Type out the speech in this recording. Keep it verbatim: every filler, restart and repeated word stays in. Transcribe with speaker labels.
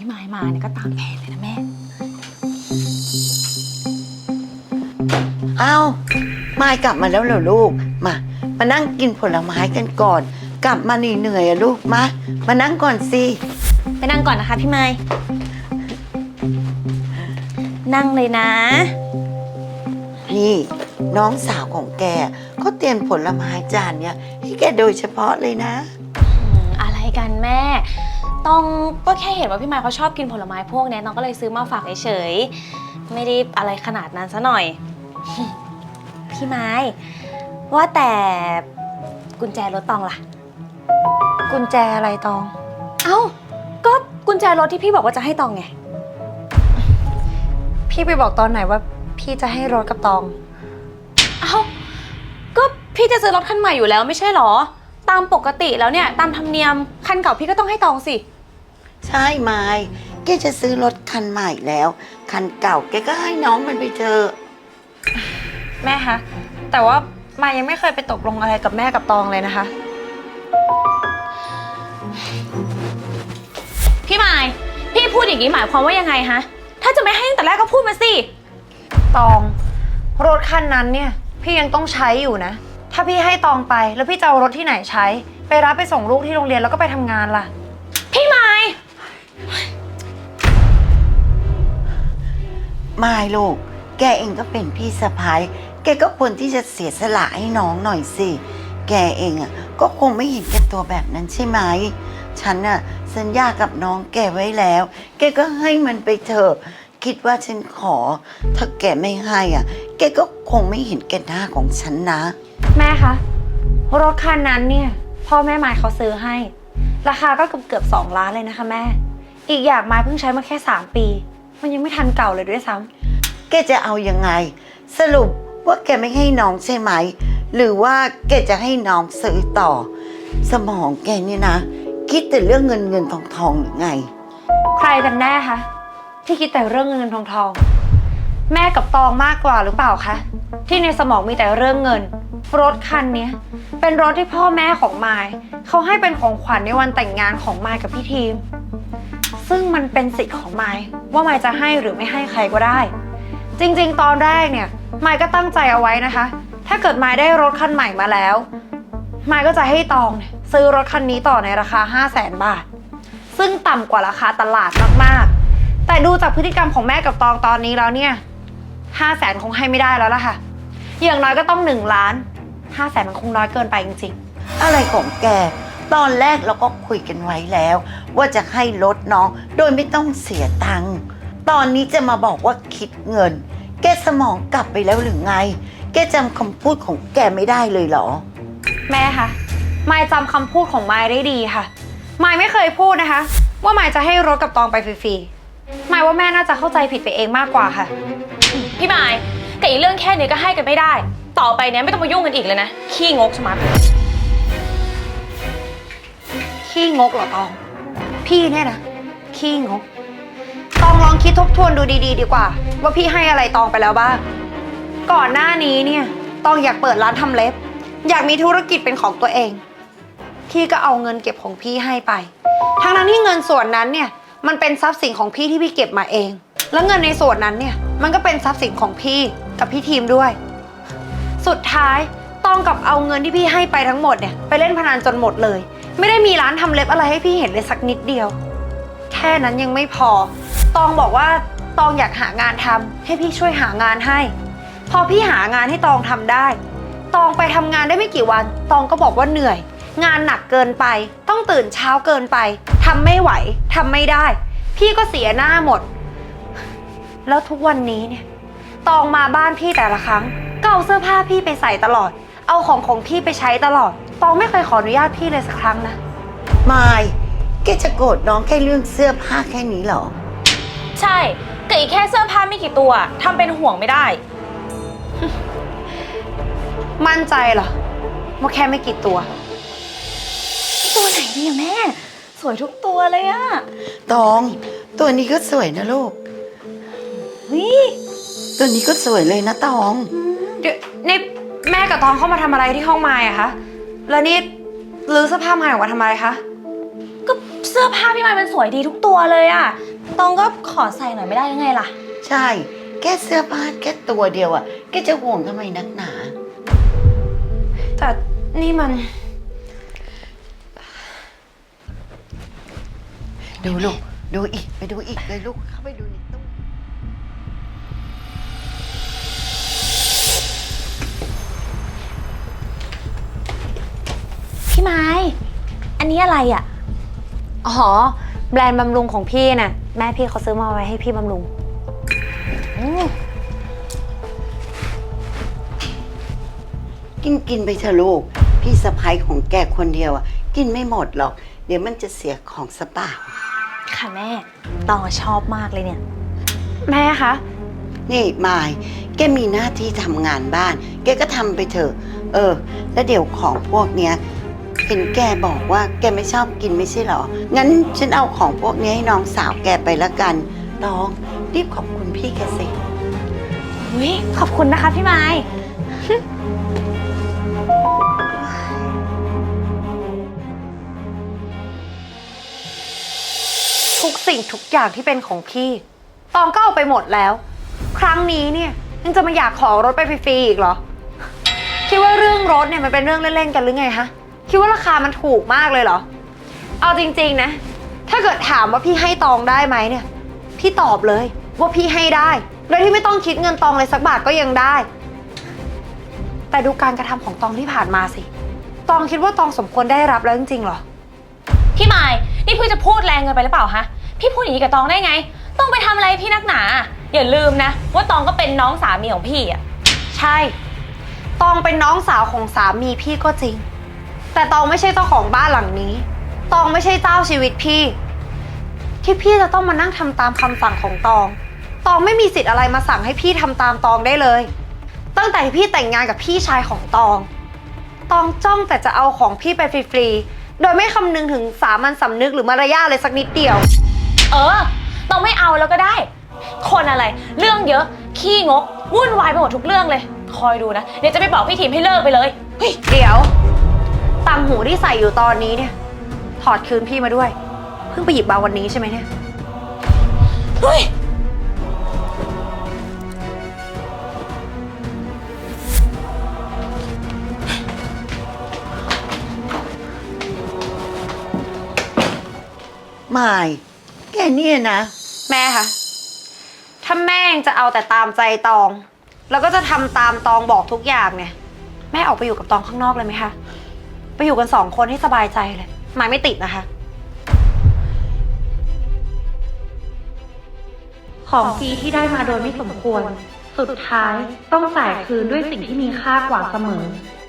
Speaker 1: พี่ไม้มาเนี่ยก็ตามแผนเลยนะแม่
Speaker 2: อ้าวมายกลับมาแล้วเหรอลูกมามานั่งกินผลไม้กันก่อนกลับมาเหนื่อยอะลูกมามานั่งก่อนสิ
Speaker 1: ไปนั่งก่อนนะคะพี่ไม้นั่งเลยนะ
Speaker 2: นี่น้องสาวของแกเขาเตรียมผลไม้จานเนี้ยให้แกโดยเฉพาะเลยนะ
Speaker 1: อะไรกันแม่ต้องก็แค่เห็นว่าพี่ไม้เขาชอบกินผลไม้พวกนี้น้องก็เลยซื้อมาฝากเฉยๆไม่ได้อะไรขนาดนั้นซะหน่อยพี่ไม้ว่าแต่กุญแจรถตองล่ะ
Speaker 3: กุญแจอะไรตอง
Speaker 1: เอ้าก็กุญแจรถที่พี่บอกว่าจะให้ตองไง
Speaker 3: พี่ไปบอกตอนไหนว่าพี่จะให้รถกับตอง
Speaker 1: เอ้าก็พี่จะซื้อรถคันใหม่อยู่แล้วไม่ใช่หรอตามปกติแล้วเนี่ยตามธรรมเนียมคันเก่าพี่ก็ต้องให้ตองสิ
Speaker 2: ใช่ไม้แกจะซื้อรถคันใหม่แล้วคันเก่าแกก็ให้น้องมันไปเถอะ
Speaker 3: แม่คะแต่ว่ามายังไม่เคยไปตกลงอะไรกับแม่กับตองเลยนะคะ
Speaker 1: พี่ไม้พี่พูดอย่างนี้หมายความว่ายังไงฮะถ้าจะไม่ให้ตั้งแต่แรกก็พูดมาสิ
Speaker 3: ตองรถคันนั้นเนี่ยพี่ยังต้องใช้อยู่นะถ้าพี่ให้ตองไปแล้วพี่จะเอารถที่ไหนใช้ไปรับไปส่งลูกที่โรงเรียนแล้วก็ไปทำงานล่ะ
Speaker 1: พี่ไม้
Speaker 2: ไม่ลูกแกเองก็เป็นพี่สะพ้ายแกก็ควรที่จะเสียสละให้น้องหน่อยสิแกเองอ่ะก็คงไม่เห็นแก่ตัวแบบนั้นใช่ไหมฉันน่ะสัญญากับน้องแกไว้แล้วแกก็ให้มันไปเถอะคิดว่าฉันขอถ้าแกไม่ให้อ่ะแกก็คงไม่เห็นแก่หน้าของฉันนะ
Speaker 3: แม่คะรถคันนั้นเนี่ยพ่อแม่ไม้เขาซื้อให้ราคาก็เกือบเกือบสองล้านเลยนะคะแม่อีกอย่างไม้เพิ่งใช้มาแค่สามปีมันยังไม่ทันเก่าเลยด้วยซ้
Speaker 2: ำแกจะเอายังไงสรุปว่าแกไม่ให้น้องใช่ไหมหรือว่าแกจะให้น้องซื้อต่อสมองแกเนี่ยนะคิดแต่เรื่องเงินเงินทองทองหรือไง
Speaker 3: ใครกันแน่คะที่คิดแต่เรื่องเงินเงินทองทองแม่กับตองมากกว่าหรือเปล่าคะที่ในสมองมีแต่เรื่องเงินรถคันนี้เป็นรถที่พ่อแม่ของมายเขาให้เป็นของขวัญในวันแต่งงานของมายกับพี่ทีมซึ่งมันเป็นสิทธิ์ของมายว่ามายจะให้หรือไม่ให้ใครก็ได้จริงๆตอนแรกเนี่ยมายก็ตั้งใจเอาไว้นะคะถ้าเกิดมายได้รถคันใหม่มาแล้วมายก็จะให้ตองซื้อรถคันนี้ต่อในราคา ห้าแสน บาทซึ่งต่ำกว่าราคาตลาดมากๆแต่ดูจากพฤติกรรมของแม่กับตองตอนนี้แล้วเนี่ย ห้าแสน คงให้ไม่ได้แล้วล่ะค่ะอย่างน้อยก็ต้องหนึ่งล้าน ห้าแสน มันคงน้อยเกินไปจริง
Speaker 2: ๆอะไรของแกตอนแรกเราก็คุยกันไว้แล้วว่าจะให้ลดน้องโดยไม่ต้องเสียตังค์ตอนนี้จะมาบอกว่าคิดเงินแกสมองกลับไปแล้วหรือไงแกจำคำพูดของแกไม่ได้เลยเหรอ
Speaker 3: แม่คะมายจำคำพูดของมายได้ดีค่ะมายไม่เคยพูดนะคะว่ามายจะให้รถกับตองไปฟรีๆมายว่าแม่น่าจะเข้าใจผิดไปเองมากกว่าค่ะ
Speaker 1: พี่มายแต่อีเรื่องแค่นี้ก็ให้กันไม่ได้ต่อไปเนี้ยไม่ต้องมายุ่งกันอีกเลยนะขี้งกใช่ไหม
Speaker 3: ขี้งกเหรอตองพี่เนี่ยนะขี้งกตองลองคิดทบทวนดูดีๆดีกว่าว่าพี่ให้อะไรตองไปแล้วบ้างก่อนหน้านี้เนี่ยตองอยากเปิดร้านทำเล็บอยากมีธุรกิจเป็นของตัวเองพี่ก็เอาเงินเก็บของพี่ให้ไปทั้งนั้นที่เงินส่วนนั้นเนี่ยมันเป็นทรัพย์สินของพี่ที่พี่เก็บมาเองแล้วเงินในส่วนนั้นเนี่ยมันก็เป็นทรัพย์สินของพี่กับพี่ทีมด้วยสุดท้ายตองกับเอาเงินที่พี่ให้ไปทั้งหมดเนี่ยไปเล่นพนันจนหมดเลยไม่ได้มีร้านทำเล็บอะไรให้พี่เห็นเลยสักนิดเดียวแค่นั้นยังไม่พอตองบอกว่าตองอยากหางานทำให้พี่ช่วยหางานให้พอพี่หางานให้ตองทำได้ตองไปทำงานได้ไม่กี่วันตองก็บอกว่าเหนื่อยงานหนักเกินไปต้องตื่นเช้าเกินไปทำไม่ไหวทำไม่ได้พี่ก็เสียหน้าหมดแล้วทุกวันนี้เนี่ยตองมาบ้านพี่แต่ละครั้งก็เอาเสื้อผ้าพี่ไปใส่ตลอดเอาของของพี่ไปใช้ตลอดตองไม่เคยขออนุญาตพี่เลยสักครั้งนะ
Speaker 2: มายแกจะโกรธน้องแค่เรื่องเสื้อผ้าแค่นี้เหรอ
Speaker 1: ใช่แต่อีกแค่เสื้อผ้าไม่กี่ตัวทำเป็นห่วงไม่ได้
Speaker 3: มั่นใจเหรอว่าแค่ไม่กี่ตัว
Speaker 1: ตัวไหนดีอะแม่สวยทุกตัวเลยอะ
Speaker 2: ตองตัวนี้ก็สวยนะลูก
Speaker 1: วิ
Speaker 2: ตัวนี้ก็สวยเลยนะตอง
Speaker 3: เดี๋ยวนี่แม่กับตองเข้ามาทำอะไรที่ห้องมายอะคะแล้วนี่ลื้อเสื้อผ้ามายออกมาทำอะไรคะ
Speaker 1: ก็เสื้อผ้าพี่มายมันสวยดีทุกตัวเลยอะตองก็ขอใส่หน่อยไม่ได้ยังไงล่ะ
Speaker 2: ใช่ แค่เสื้อผ้าแค่ตัวเดียวอ่ะ แกจะห่วงทำไมนักหนา
Speaker 3: แต่นี่มัน
Speaker 2: ดูลูก ดูอีก ไปดูอีกเลยลูก เข้าไปดูในตู้
Speaker 1: พี่ไม้ อันนี้อะไรอ่ะ
Speaker 3: อ๋อ แบรนด์บำรุงของพี่น่ะ แม่พี่เขาซื้อมาไว้ให้พี่บำรุง
Speaker 2: กินกินไปเถอะลูก พี่สะพ้ายของแกคนเดียวอ่ะ กินไม่หมดหรอก เดี๋ยวมันจะเสียของสเปล่า
Speaker 1: ค่ะแม่ ตองชอบมากเลยเนี่ย
Speaker 3: แม่คะ
Speaker 2: นี่มาย แกมีหน้าที่ทำงานบ้าน แกก็ทำไปเถอะ เออ แล้วเดี๋ยวของพวกเนี้ยเห็นแกบอกว่าแกไม่ชอบกินไม่ใช่เหรอ งั้นฉันเอาของพวกนี้ให้น้องสาวแกไปละกันน้องรีบขอบคุณพี่แกสิ
Speaker 1: อุ๊ยขอบคุณนะคะพี่ไม้
Speaker 3: ทุกสิ่งทุกอย่างที่เป็นของพี่ ตองก็เอาไปหมดแล้ว ครั้งนี้เนี่ยยังจะมาอยากขอรถไปฟรีๆอีกเหรอ คิดว่าเรื่องรถเนี่ยมันเป็นเรื่องเล่นๆกันหรือไงฮะ คิดว่าราคามันถูกมากเลยเหรอ เอาจริงๆนะ ถ้าเกิดถามว่าพี่ให้ตองได้ไหมเนี่ย พี่ตอบเลยว่าพี่ให้ได้ โดยที่ไม่ต้องคิดเงินตองเลยสักบาทก็ยังได้ แต่ดูการกระทำของตองที่ผ่านมาสิ ตองคิดว่าตองสมควรได้รับแล้วจริงๆเหรอ
Speaker 1: พี่ไม้ นี่พี่จะพูดแรงเกินไปหรือเปล่าฮะ พี่พูดอย่างนี้กับตองได้ไง ต้องไปทำอะไรพี่นักหนา อย่าลืมนะ ว่าตองก็เป็นน้องสามีของพี่อ่ะ
Speaker 3: ใช่ ตองเป็นน้องสาวของสามีพี่ก็จริง แต่ตองไม่ใช่เจ้าของบ้านหลังนี้ ตองไม่ใช่เจ้าชีวิตพี่ ที่พี่จะต้องมานั่งทำตามคำสั่งของตอง ตองไม่มีสิทธิ์อะไรมาสั่งให้พี่ทำตามตองได้เลย ตั้งแต่ที่พี่แต่งงานกับพี่ชายของตอง ตองจ้องแต่จะเอาของพี่ไปฟรีๆ โดยไม่คำนึงถึงสามัญสำนึกหรือมารยาทเลยสักนิดเดียว
Speaker 1: เออ ตองไม่เอาแล้วก็ได้ คนอะไร เรื่องเยอะ ขี้งก วุ่นวายไปหมดทุกเรื่องเลย คอยดูนะ เดี๋ยวจะไปบอกพี่ทีมให้เลิกไปเลย เฮ้ย
Speaker 3: เดี๋ยวต่างหูที่ใส่อยู่ตอนนี้เนี่ย ถอดคืนพี่มาด้วย เพิ่งไปหยิบมาวันนี้ใช่ไหมเนี่ย
Speaker 1: เฮ้ย
Speaker 2: มาย แกเนี่ยนะ
Speaker 3: แม่คะถ้าแม่ยังจะเอาแต่ตามใจตอง แล้วก็จะทำตามตองบอกทุกอย่างเนี่ย แม่ออกไปอยู่กับตองข้างนอกเลยไหมคะ ไปอยู่กันสองคนให้สบายใจเลยหมายไม่ติดนะคะ
Speaker 4: ของฟรีที่ได้มาโดยไม่สมควร สุดท้ายต้องจ่ายคืนด้วยสิ่งที่มีค่ากว่าเสมอ